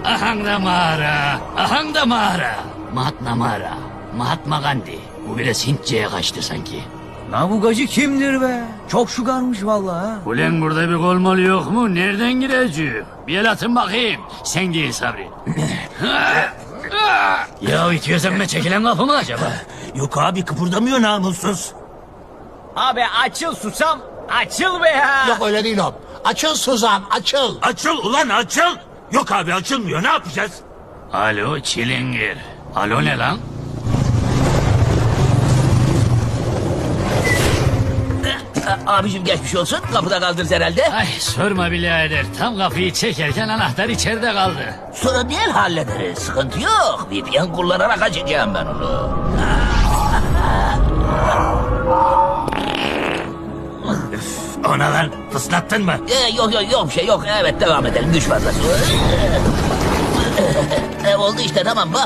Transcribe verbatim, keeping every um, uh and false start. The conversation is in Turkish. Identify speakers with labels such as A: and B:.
A: Ahang da mağara, ahang da mağara. Mahatma mağara, Mahatma Gandhi. Bu biraz Hintçe'ye kaçtı sanki.
B: Navugacı kimdir be? Çok şugarmış vallahi ha.
A: Ulan burada bir kolmalı yok mu? Nereden gireceğim? Bir el atın bakayım. Sen değil Sabri. Ya itiyorsan ben çekilen kapı mı acaba?
C: Yok abi kıpırdamıyor namussuz.
B: Abi açıl susam. Açıl be ya.
D: Yok öyle değil o. Açıl Suzan, açıl.
C: Açıl ulan açıl. Yok abi açılmıyor ne yapacağız?
A: Alo çilingir. Alo ne lan?
E: Abicim geçmiş olsun. Kapıda kaldınız herhalde.
A: Ay sorma birader. Tam kapıyı çekerken anahtar içeride kaldı.
E: Sonra bir el hallederiz. Sıkıntı yok. V P N kullanarak açacağım ben onu.
C: Ona lan fıslattın mı?
E: Ee, yok yok yok bir şey yok. Evet devam edelim. Güç fazlası. Ee, oldu işte tamam bak.